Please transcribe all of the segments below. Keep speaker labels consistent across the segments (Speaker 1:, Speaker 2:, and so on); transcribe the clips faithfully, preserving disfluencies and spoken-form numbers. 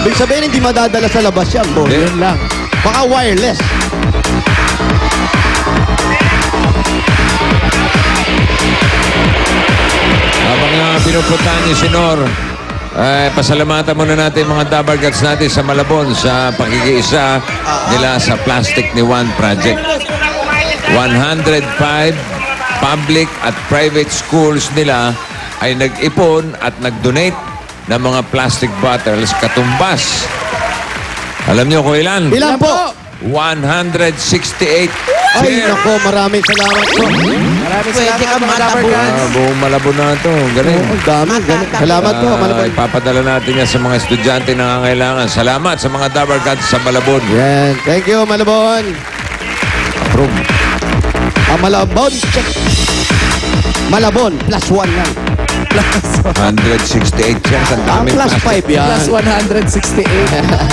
Speaker 1: Ibig sabihin, hindi madadala sa labas yan, boss.
Speaker 2: Hindi.
Speaker 1: Yun lang. Baka wireless.
Speaker 2: Habang uh, pinupuntahan niyo si Nor, eh, pasalamatan muna natin mga Dabargats natin sa Malabon sa pakikiisa nila sa Plastic ni Juan Project. one hundred five public at private schools nila ay nag-ipon at nag-donate ng mga plastic bottles katumbas. Alam niyo kung ilan?
Speaker 1: Ilan po?
Speaker 2: one hundred sixty-eight.
Speaker 1: Ay, nako, maraming salamat po.
Speaker 3: Maraming salamat mga Dabargats.
Speaker 2: Ah, buong Malabon na ito. Galing.
Speaker 1: Oh, ang dami, galing. Salamat po,
Speaker 2: Ah,
Speaker 1: Malabon.
Speaker 2: ipapadala natin yan sa mga estudyante na nangangailangan. Salamat sa mga Dabargats sa Malabon.
Speaker 1: Yan. Thank you, Malabon.
Speaker 2: Approve.
Speaker 1: Ah, Malabon. Check. Malabon, plus one lang.
Speaker 2: one hundred sixty-eight siya. Ang
Speaker 1: Ah,
Speaker 2: daming
Speaker 1: plus
Speaker 2: plastic.
Speaker 1: five yan.
Speaker 3: Plus one hundred sixty-eight.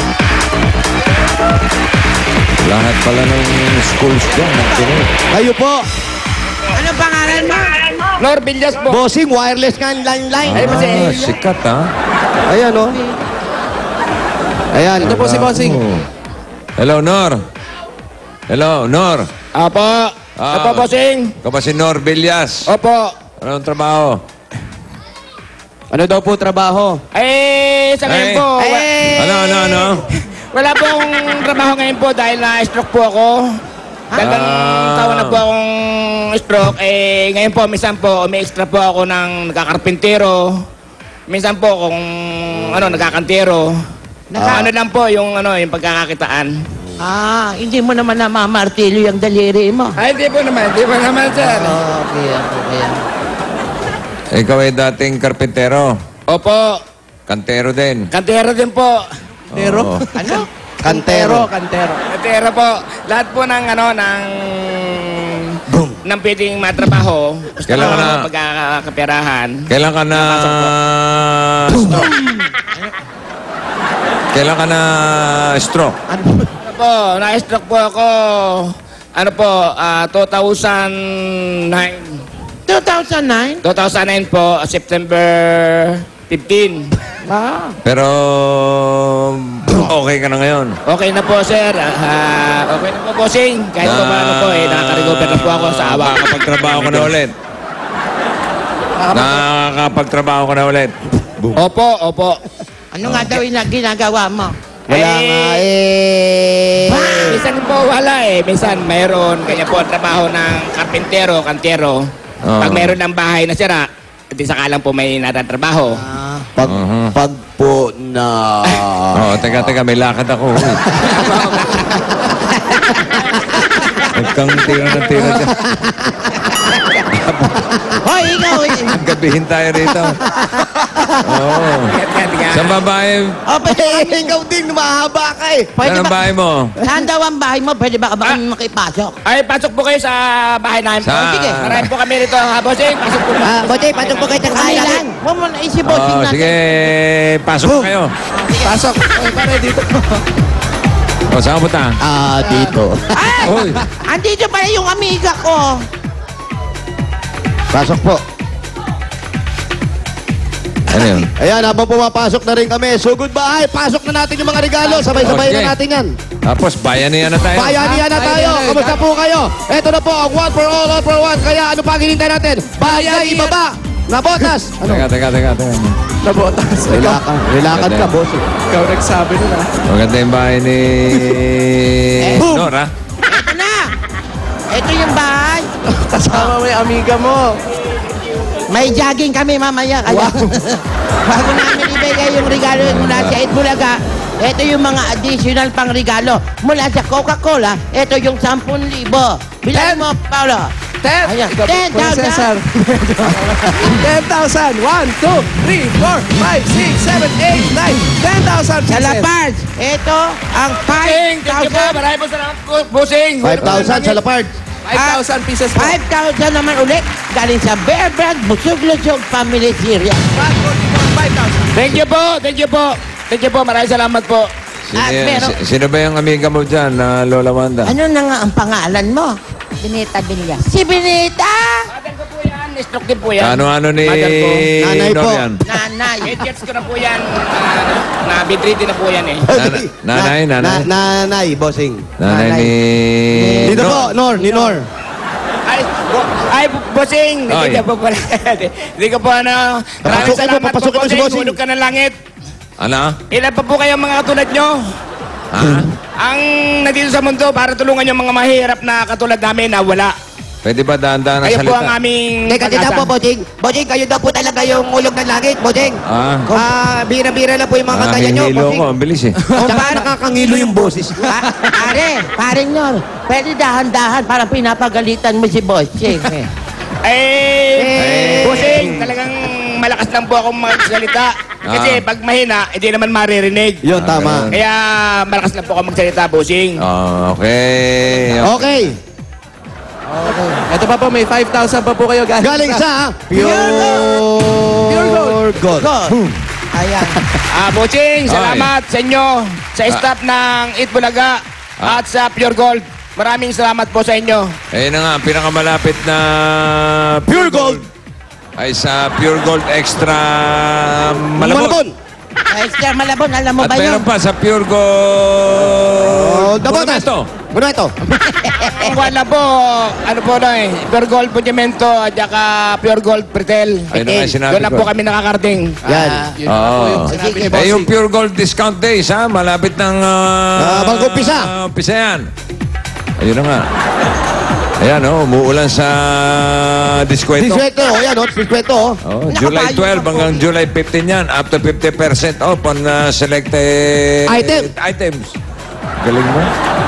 Speaker 2: Lahat pala ng schools dyan.
Speaker 1: Kayo po.
Speaker 4: Ano pangalan mo?
Speaker 3: Lor Villas po.
Speaker 1: Bossing, wireless nga ang line-line.
Speaker 2: Ah, sikat ha.
Speaker 1: Ayan, oh. Ayan.
Speaker 3: Ito po si Bossing.
Speaker 2: Oh. Hello, Nor. Hello, Nor.
Speaker 3: Apo.
Speaker 2: Ah.
Speaker 3: Apo, Bossing.
Speaker 2: Ikaw ba si Nor Villas?
Speaker 3: Opo.
Speaker 2: Anong trabaho?
Speaker 1: Ano daw po trabaho?
Speaker 3: Eh, sa ngayon
Speaker 2: Ay.
Speaker 3: po. wa-
Speaker 4: Eh,
Speaker 2: Ano, ano, ano?
Speaker 3: Wala pong trabaho ngayon po dahil na-stroke po ako. Dalawang
Speaker 2: Ah.
Speaker 3: taon na po akong stroke. Eh, ngayon po, minsan po, may extra po ako ng nagkakarpintero. Minsan po, kung ano, nagkakantero.
Speaker 4: Naka-
Speaker 3: Ano lang po, yung ano, yung pagkakakitaan.
Speaker 4: Ah, hindi mo naman namamartilyo yung daliri mo.
Speaker 3: Ay, di po naman, di po naman, sir.
Speaker 4: Oh, okay, okay.
Speaker 2: Ikaw ay dating karpintero.
Speaker 3: Opo,
Speaker 2: Kantero din.
Speaker 3: kantero din po.
Speaker 2: Kantero?
Speaker 4: Ano?
Speaker 1: Kantero.
Speaker 3: Kantero. Kantero po. Lahat po ng ano, ng... ng pwedeng matrabaho. Basta
Speaker 2: Kailangan
Speaker 3: ano,
Speaker 2: na-
Speaker 3: pagkakaperahan.
Speaker 2: Kailan ka na... stroke? Kailan ka na stroke?
Speaker 3: Ano po, na-stroke po ako. Ano po, ah, two thousand nine.
Speaker 4: two thousand nine?
Speaker 3: two thousand nine po, September fifteen.
Speaker 4: Ah.
Speaker 2: Pero... okay ka na ngayon.
Speaker 3: Okay na po, sir. Ah, okay na po, bossing. Kahit po paano po, eh, nakaka-recover na po ako sa awa.
Speaker 2: Nakakapagtrabaho ka na ulit. Nakakapagtrabaho ka na ulit.
Speaker 3: Opo, opo.
Speaker 4: Ano nga daw yung ginagawa mo?
Speaker 1: Wala
Speaker 3: Eh,
Speaker 1: nga eh.
Speaker 3: Minsan po wala eh. Minsan mayroon. Kanya po ang trabaho ng karpintero, kantero.
Speaker 2: Oo.
Speaker 3: Pag mayroon ng bahay na sira, hindi sakalang po may natatrabaho.
Speaker 4: Ah.
Speaker 1: Pag,
Speaker 2: Uh-huh.
Speaker 1: pag po na...
Speaker 2: Oo, teka, teka, may lakad ako. Uy. Nagkang tira na tira dyan.
Speaker 4: Hoy, ikaw eh.
Speaker 2: Gabihin tayo rito. Oo. Sa babae,
Speaker 4: Oh, pwede
Speaker 1: Eh,
Speaker 4: kami.
Speaker 1: ikaw din, mahaba ka eh.
Speaker 4: Pwede
Speaker 2: saan ang
Speaker 4: ba?
Speaker 2: bahay mo?
Speaker 4: Saan daw ang bahay mo? Pwede ba ka ba kami makipasok?
Speaker 3: Ay, pasok po kayo sa bahay namin.
Speaker 2: Sa-
Speaker 3: Oh, sige. Marami po kami rito, ha, bossing. Pasok po.
Speaker 1: Ah, Bote, patok po kayo
Speaker 4: Kami lang. Huwag mo na isipin
Speaker 2: Oo,
Speaker 4: natin.
Speaker 2: sige, pasok na kayo.
Speaker 3: Pasok. Ay, pare, dito po.
Speaker 2: O, saan ka punta?
Speaker 1: Ah, dito.
Speaker 4: Ay!
Speaker 2: Uy.
Speaker 4: Andito pala yung amiga ko.
Speaker 1: Pasok po.
Speaker 2: Ano yun?
Speaker 1: Ayan, habang pumapasok na rin kami. So, goodbye. Pasok na natin yung mga regalo. Sabay-sabay
Speaker 2: Okay.
Speaker 1: na natin yan.
Speaker 2: Tapos, bayanihan na tayo.
Speaker 1: Bayanihan na tayo. Kamusta po kayo? Ito na po ang one for all, all for one. Kaya ano pa hinintay natin? Bayay, ibaba. Na botas. Ano?
Speaker 2: Teka, teka, teka, teka.
Speaker 3: Nabotas.
Speaker 1: Relakan. Relakan ka, boss.
Speaker 3: Ikaw nagsabi nun, ha?
Speaker 2: Maganda yung bahay ni...
Speaker 1: Boom!
Speaker 2: Nora.
Speaker 4: Ito na. Ito yung bahay.
Speaker 3: Kasama mo yung amiga mo.
Speaker 4: May jogging kami mamaya. Kaya, bago namin ibigay yung regalo mula sa Itbulaga, ito yung mga additional pang regalo. Mula sa Coca-Cola, ito yung sampung libo. Bilang mo, Paolo.
Speaker 3: Ten.
Speaker 4: Ayan,
Speaker 3: Ikaw,
Speaker 4: ten
Speaker 3: Kuya
Speaker 4: thousand.
Speaker 3: Cesar. Ten thousand. One, two, three, four, five, six, seven, eight, nine. Ten thousand.
Speaker 4: Sa La Paz, ito ang five
Speaker 3: Bossing, thank you po.
Speaker 4: thousand.
Speaker 3: Marami po salamat po, bossing.
Speaker 1: five thousand sa Lapard.
Speaker 3: five thousand pieces po.
Speaker 4: five thousand naman ulit galing sa Bear Brand Busog-Lusog Family Series.
Speaker 3: five thousand. Thank you po. Thank you po. Thank you po. Maraming salamat po.
Speaker 2: Sino,
Speaker 4: Ah, pero-
Speaker 2: si- sino ba yung amiga mo dyan, na Lola Wanda?
Speaker 4: Ano na nga ang pangalan mo?
Speaker 5: Binita Villas.
Speaker 4: Si Benita!
Speaker 3: Ate ko po yan. stroke din po yan.
Speaker 2: Ano-ano ni
Speaker 3: Mother ko.
Speaker 1: Nanay po.
Speaker 2: Norian?
Speaker 4: Nanay.
Speaker 3: Eight years ko na po yan. Uh, na bedridden na po yan eh.
Speaker 2: Nana- nanay,
Speaker 1: Na-
Speaker 2: nanay.
Speaker 1: na- nanay, bossing.
Speaker 2: Nanay
Speaker 4: Nanay.
Speaker 2: ni...
Speaker 1: Dito po, Nor, ni Nor.
Speaker 3: Ay, bo, ay, bu- bossing!
Speaker 2: Oy.
Speaker 3: Hindi ka po pala. Hindi ka po ano. Maraming
Speaker 1: Papasukin mo,
Speaker 3: salamat po,
Speaker 1: papasukin mo si
Speaker 3: bossing.
Speaker 1: bossing.
Speaker 3: Hulog ka ng langit.
Speaker 2: Ano?
Speaker 3: Ilan pa po kayo mga katulad nyo?
Speaker 2: Ha?
Speaker 3: Ang nandito sa mundo para tulungan yung mga mahirap na katulad namin na wala.
Speaker 2: Pwede ba daan-daan na
Speaker 3: Kayo po
Speaker 2: salita?
Speaker 3: ang aming
Speaker 1: Teka, dito po, Bossing. Bossing, kayo daw po talaga yung ulog ng langit, Bossing.
Speaker 2: Ah.
Speaker 1: Ah, bira-bira na po yung mga
Speaker 2: Ah,
Speaker 1: kantaya nyo,
Speaker 2: hihilo
Speaker 1: Bossing.
Speaker 2: ko. Ang bilis eh.
Speaker 1: Tsaka nakakangilo yung boses.
Speaker 4: Pa- pare, pare Nor, pwede dahan-dahan parang pinapagalitan mo si Bossing. Eh.
Speaker 3: Eh,
Speaker 1: Eh.
Speaker 3: bossing, talagang malakas lang po akong magsalita. Kasi
Speaker 2: Ah.
Speaker 3: pag mahina, hindi naman maririnig.
Speaker 1: Yun, tama.
Speaker 3: Kaya malakas lang po ako magsalita, bossing.
Speaker 2: Ah, okay.
Speaker 1: Okay.
Speaker 5: Okay. Ito pa po, may five thousand pa po kayo galing,
Speaker 1: Galing sa Pure,
Speaker 5: Pure Gold.
Speaker 1: Gold.
Speaker 4: God. Ayan.
Speaker 3: Ah, bossing, salamat sa inyo, sa staff ng Eat Bulaga
Speaker 2: Ah.
Speaker 3: at sa Pure Gold. Maraming salamat po sa inyo.
Speaker 2: Ayun na nga, ang pinakamalapit na
Speaker 1: Pure Gold.
Speaker 2: ay sa Pure Gold Extra
Speaker 1: Malabon.
Speaker 2: Malabon.
Speaker 4: Extra Malabon, alam mo
Speaker 2: At
Speaker 4: ba yun?
Speaker 2: meron pa sa Pure
Speaker 1: Oh,
Speaker 2: Gold...
Speaker 1: Dabotas.
Speaker 2: Monumento.
Speaker 1: Muna ito.
Speaker 3: Ang wala po, ano po na eh, Pure Gold Pudimento at saka Pure Gold Pretel.
Speaker 2: Ayun na nga yung sinabi
Speaker 3: Doon na
Speaker 2: ko.
Speaker 3: po kami nakakarating.
Speaker 1: Yan.
Speaker 5: Ah, yun na po yung
Speaker 2: Oo.
Speaker 5: sinabi ni
Speaker 2: Eh,
Speaker 5: Bossing.
Speaker 2: yung Pure Gold Discount Days, ha? Malapit ng... Uh,
Speaker 1: Ah, bago umpisa.
Speaker 2: umpisa yan. Ayun na nga. Ayan, oh, umuulan sa diskwento.
Speaker 1: Diskwento. O yan, o. Diskwento, o.
Speaker 2: Oh, July twelve hanggang July fifteen yan. Up to fifty percent off on uh, selected
Speaker 1: Item.
Speaker 2: items. Galing mo.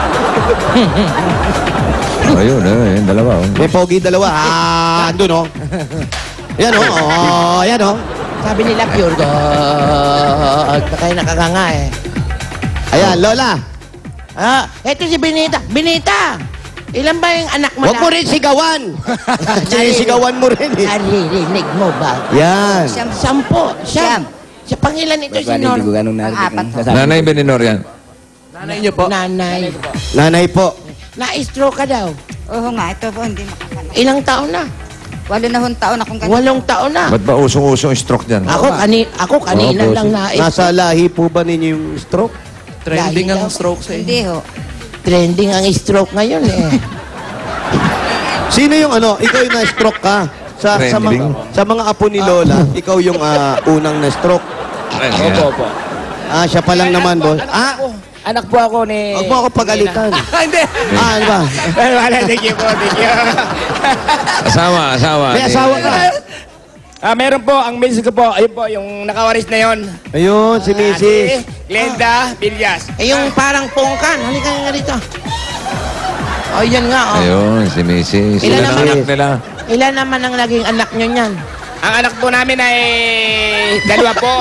Speaker 2: Oh, ayun, eh, yung dalawa. Oh.
Speaker 1: May pogi dalawa. Ah, andun, o. Yan, o. Oh, yan, o.
Speaker 4: Sabi nila Pure Gold. Kaya nakakanga eh.
Speaker 1: Ayan, Lola.
Speaker 4: Ah, eto si Benita. Benita! Ilan ba yung anak mo
Speaker 1: Huwag mo rin sigawan. Sinisigawan mo rin, eh.
Speaker 4: Naririnig mo ba?
Speaker 1: Yan.
Speaker 4: Sampo. Siyam. Sa pangilan ito si Nor.
Speaker 3: Apat.
Speaker 2: Nanay Beninor yan.
Speaker 5: Nanay niyo po.
Speaker 4: Nanay.
Speaker 1: Nanay po.
Speaker 4: Na-stroke ka daw.
Speaker 6: Oo nga, ito po, hindi makakala.
Speaker 4: Ilang taon na?
Speaker 6: Walo na hong taon akong ganito.
Speaker 4: Walong taon na.
Speaker 2: Ba't ba usong-usong stroke dyan?
Speaker 4: Ako, kani ako kanina
Speaker 2: Oh,
Speaker 4: lang na
Speaker 1: Nasa lahi po ba ninyo yung stroke?
Speaker 5: Trending
Speaker 4: Dahil
Speaker 5: ang
Speaker 4: daw.
Speaker 5: stroke sa inyo.
Speaker 6: Hindi ho.
Speaker 4: trending ang stroke ngayon eh.
Speaker 1: Sino yung ano? Ikaw yung na-stroke ka? Sa, sa, mga,
Speaker 2: Trending.
Speaker 1: sa mga apo ni Lola, ikaw yung ah, unang na-stroke.
Speaker 3: Opo, opo.
Speaker 1: Ah, siya pa lang naman, boss. Ah,
Speaker 3: Anak po ako ni...
Speaker 1: huwag mo ako pagalitan.
Speaker 3: Hindi.
Speaker 1: Ah, ano ba?
Speaker 3: Wala, thank you po, thank you.
Speaker 2: Asawa, asawa.
Speaker 1: May
Speaker 2: ni-
Speaker 1: asawa ka.
Speaker 3: Ah, meron po, ang misis ko po, ayun po, yung nakawaris na yon.
Speaker 1: Ayun, si Missus
Speaker 3: Glenda Villas.
Speaker 4: Eh yung parang pungkan. Halika nga rito. Oh, yan nga oh.
Speaker 2: Ayun, si Missus
Speaker 4: Ilan
Speaker 2: Ilan ang
Speaker 4: naman?
Speaker 2: anak nila?
Speaker 4: Ilan naman ang naging anak nyo niyan?
Speaker 3: Ang anak po namin ay dalawa po.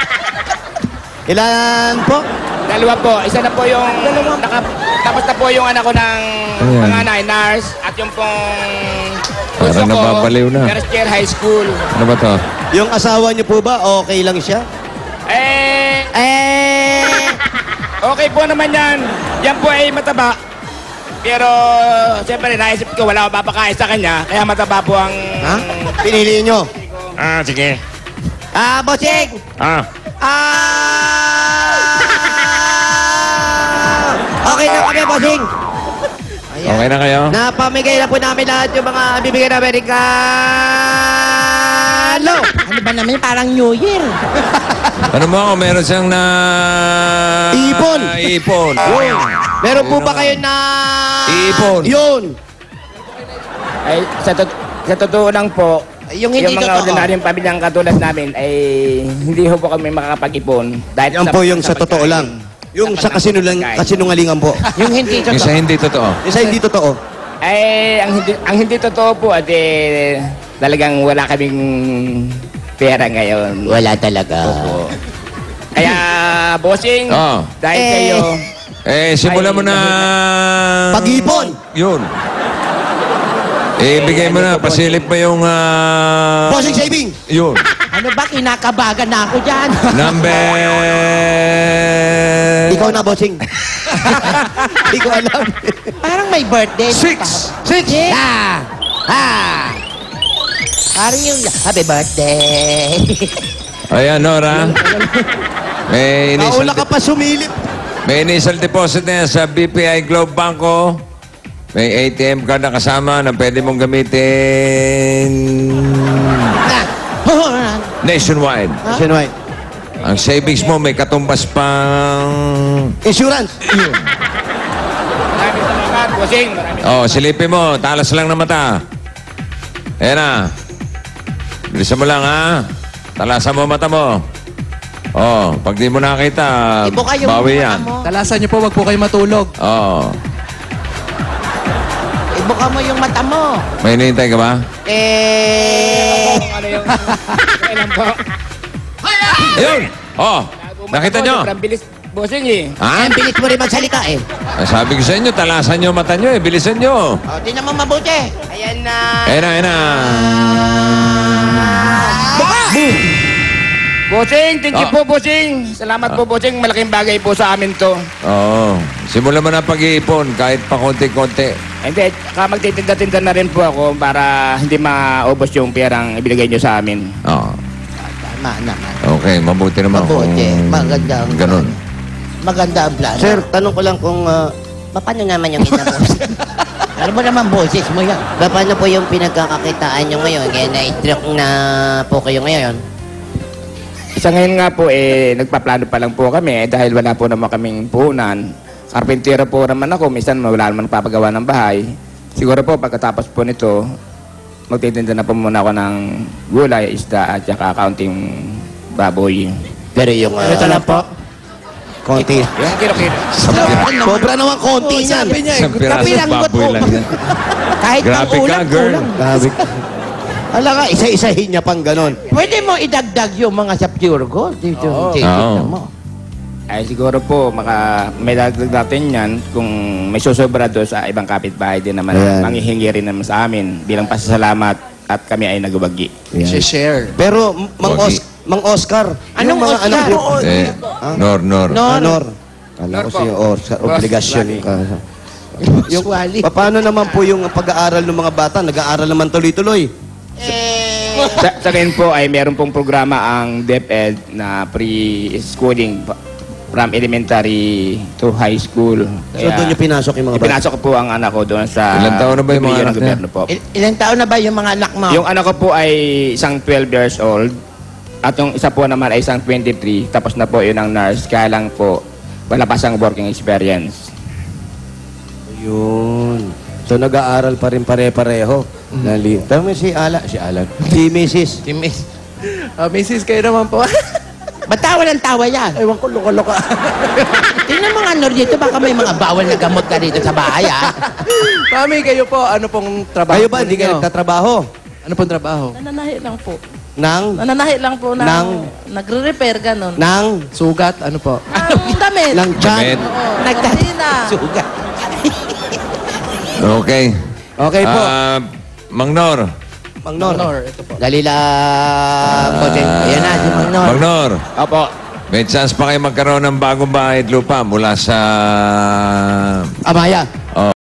Speaker 1: Ilan po?
Speaker 3: Dalawa po. Isa na po yung... Naka, tapos na po yung anak ko ng
Speaker 2: Ayan.
Speaker 3: panganay, nurse. At yung pong...
Speaker 2: Parang
Speaker 3: bunso ko,
Speaker 2: nababaliw na.
Speaker 3: First year high school.
Speaker 2: Ano ba to?
Speaker 1: Yung asawa niyo po ba, okay lang siya?
Speaker 3: Eh... Eh... Okay po naman yan. Yan po ay mataba. Pero, siyempre, naisip ko, wala akong papakain sa kanya. Kaya mataba po ang...
Speaker 1: Ha? Pinili niyo?
Speaker 2: Ah, sige.
Speaker 1: Ah, bossing!
Speaker 2: Ah.
Speaker 1: Ah! Okay na kami, bossing.
Speaker 2: Okay na kayo?
Speaker 1: Napamigay na po namin lahat yung mga bibigyan ng Amerikano.
Speaker 4: Ano ba naman? Parang New Year.
Speaker 2: Ano mo ako, meron siyang na...
Speaker 1: Ipon.
Speaker 2: Ipon.
Speaker 1: Yun. Meron po ba kayo na...
Speaker 2: Iipon.
Speaker 1: Yun.
Speaker 3: Ay, sa, tot- sa totoo lang po,
Speaker 4: Yung hindi
Speaker 3: mga
Speaker 4: totoo.
Speaker 3: ordinaryong pamilyang katulad namin ay hindi ho po kami makakapag-ipon. Dahil
Speaker 1: Yan po yung sa totoo
Speaker 3: pagkain.
Speaker 1: lang. Yung sa
Speaker 3: pagkain.
Speaker 1: kasinulang, kasinungalingan po.
Speaker 4: Yung hindi
Speaker 2: Yung sa
Speaker 4: totoo.
Speaker 2: hindi totoo.
Speaker 1: Yung sa hindi totoo.
Speaker 3: Ay, ang hindi, ang hindi totoo po at eh, talagang wala kaming pera ngayon.
Speaker 4: Wala talaga.
Speaker 3: Opo. Kaya, bossing,
Speaker 2: Oo.
Speaker 3: dahil
Speaker 4: Eh.
Speaker 3: kayo,
Speaker 2: Eh, simulan mo na...
Speaker 1: Pag-ipon.
Speaker 2: Yun. Eh, bigay mo na. Pasilip mo yung... ah,
Speaker 1: Bossing saving.
Speaker 2: Yun.
Speaker 4: Ano ba? Kinakabagan na ako dyan.
Speaker 2: Number...
Speaker 1: Ikaw na, bossing. Hindi ko alam.
Speaker 4: Parang may birthday.
Speaker 2: Six.
Speaker 1: Six.
Speaker 4: Six.
Speaker 1: Ah. Ah.
Speaker 4: Parang yung happy birthday.
Speaker 2: Ayan, Nora. May initial,
Speaker 1: Nauna ka pa sumilip.
Speaker 2: may initial deposit na yan sa B P I Globe Banco. May A T M card na kasama na pwede mong gamitin nationwide.
Speaker 1: Nationwide.
Speaker 2: Ang savings mo may katumbas pang...
Speaker 1: Insurance.
Speaker 3: Maraming salamat, bossing. Maraming
Speaker 2: Oh, silipin mo. Talas lang na mata. Ayan na. Bilisan mo lang, ha? Talasan mo mata mo. Oh, pag di mo nakita,
Speaker 4: Ibo kayo
Speaker 2: bawi
Speaker 4: mata
Speaker 2: yan.
Speaker 4: mo.
Speaker 5: Talasan niyo po, wag po kayo matulog.
Speaker 2: Oh.
Speaker 4: Ibuka mo yung mata mo.
Speaker 2: May hinihintay ka ba?
Speaker 4: Eh...
Speaker 3: kung ano yung... Kailan po.
Speaker 2: Ayun! Oh, nakita nyo?
Speaker 3: Sobrang bilis, bossing eh.
Speaker 2: Ha?
Speaker 4: Ang bilis mo rin magsalita eh.
Speaker 2: Ah, Sabi ko sa inyo, talasan nyo mata nyo eh. Bilisan nyo.
Speaker 4: O, di naman mabuti. Ayan na.
Speaker 2: Ayan na, ayan na.
Speaker 3: Bossing, thank you
Speaker 2: Ah.
Speaker 3: po, bossing. Salamat po, bossing. Malaking bagay po sa amin to.
Speaker 2: Oo. Simulan mo na pag-iipon kahit pa konti-konti.
Speaker 3: Hindi, ka magtitinda-tinda na rin po ako para hindi maubos yung perang ibigay nyo sa amin.
Speaker 2: Oo.
Speaker 4: Tama naman.
Speaker 2: Okay, mabuti naman
Speaker 4: Mabuti.
Speaker 2: kung
Speaker 4: Maganda ang
Speaker 2: ganun.
Speaker 4: Maganda ang plano.
Speaker 1: Sir, tanong ko lang kung... ah,
Speaker 4: paano naman yung inabos? Alam mo naman, boses mo yan. Paano po yung pinagkakakitaan nyo ngayon? Kaya na-stroke na po kayo ngayon.
Speaker 3: Sa ngayon nga po, eh, nagpaplano pa lang po kami eh, dahil wala po naman kaming puhunan. Karpintero po naman ako, minsan wala naman papagawa ng bahay. Siguro po, pagkatapos po nito, magtitinda na po muna ako ng gulay, isda at saka kaunting baboy.
Speaker 1: Pero yung... ah,
Speaker 4: Ito lang po.
Speaker 1: konti.
Speaker 3: Yung kilo-kilo.
Speaker 1: Sobra naman konti niyan.
Speaker 5: Sabi niya eh,
Speaker 2: Isang piraso
Speaker 4: kapilanggot
Speaker 2: baboy
Speaker 4: mo.
Speaker 2: lang yan.
Speaker 4: Kahit
Speaker 2: Grabe
Speaker 4: pang
Speaker 2: ka,
Speaker 4: ulam,
Speaker 2: girl.
Speaker 4: kulang.
Speaker 1: Grabe. Ala ka, isa-isahin niya pang ganon.
Speaker 4: Pwede mo idagdag yung mga sa pure gold. Dito,
Speaker 3: Oo.
Speaker 4: dito
Speaker 2: Oo.
Speaker 4: mo.
Speaker 3: Ay siguro po, maka, may dagdag natin yan kung may susobra doon sa ibang kapitbahay din naman.
Speaker 1: Ayan.
Speaker 3: Manghihingi rin naman sa amin bilang pasasalamat at kami ay nagubagi.
Speaker 5: share.
Speaker 1: Pero, Mang,
Speaker 2: Wagi.
Speaker 1: Os Mang Oscar,
Speaker 4: Anong
Speaker 1: yung mga
Speaker 4: Oscar?
Speaker 1: anak mo...
Speaker 2: Eh, Nor, Nor.
Speaker 4: No.
Speaker 1: Honor. Kala ko
Speaker 3: Nor po.
Speaker 1: siya Oscar, obligasyon
Speaker 3: Wagi.
Speaker 1: ka.
Speaker 4: Yung wali.
Speaker 1: Pa- Paano naman po yung pag-aaral ng mga bata? Nag-aaral naman tuloy-tuloy.
Speaker 4: Eh,
Speaker 3: sa, sa akin po ay meron pong programa ang DepEd na pre-schooling pa- from elementary to high school.
Speaker 1: So doon yung pinasok yung mga bata?
Speaker 3: Pinasok ko po ang anak ko doon sa...
Speaker 2: Ilang taon na ba yung mga
Speaker 3: Bibigyan ng
Speaker 2: anak niya?
Speaker 3: gobyerno po.
Speaker 4: il- ilang taon na ba yung mga anak mo?
Speaker 3: Yung anak ko po ay isang twelve years old at yung isa po naman ay isang twenty-three. Tapos na po yun ang nurse. Kaya lang po, wala pa siyang working experience.
Speaker 1: Yun. So nag-aaral pa rin pare-pareho. Nali. Tama si Ala, si Alan. Si Missus
Speaker 4: Si Miss.
Speaker 5: Ah, Missus, kayo naman po.
Speaker 4: Ba't tawa ng tawa yan?
Speaker 5: Ewan ko, luka-luka.
Speaker 4: Tingnan mo nga, Nor, dito baka may mga bawal na gamot ka dito sa bahay, ah.
Speaker 5: Mami, kayo po, ano pong trabaho
Speaker 1: Kayo
Speaker 5: po
Speaker 1: ba, hindi kayo
Speaker 5: ninyo?
Speaker 1: nagtatrabaho?
Speaker 5: Ano pong trabaho?
Speaker 7: Nananahi lang po.
Speaker 1: Nang?
Speaker 7: Nananahi lang po ng...
Speaker 1: Nang-
Speaker 7: Nagre-repair, ganun.
Speaker 1: Nang?
Speaker 5: Sugat, ano po?
Speaker 7: Ang damit.
Speaker 1: Nang
Speaker 2: Damit.
Speaker 1: chan?
Speaker 7: Oo,
Speaker 4: Nagtat-
Speaker 7: kusina.
Speaker 4: Sugat.
Speaker 2: Okay.
Speaker 1: Okay po.
Speaker 2: Ah, Mang Nor.
Speaker 1: Mang Nor.
Speaker 5: Nor, ito po.
Speaker 4: Dali lang. Bossing. Ayan na, si Mang Nor.
Speaker 2: Mang Nor.
Speaker 3: Opo.
Speaker 2: May chance pa kayo magkaroon ng bagong bahay at lupa mula sa...
Speaker 1: Amaya.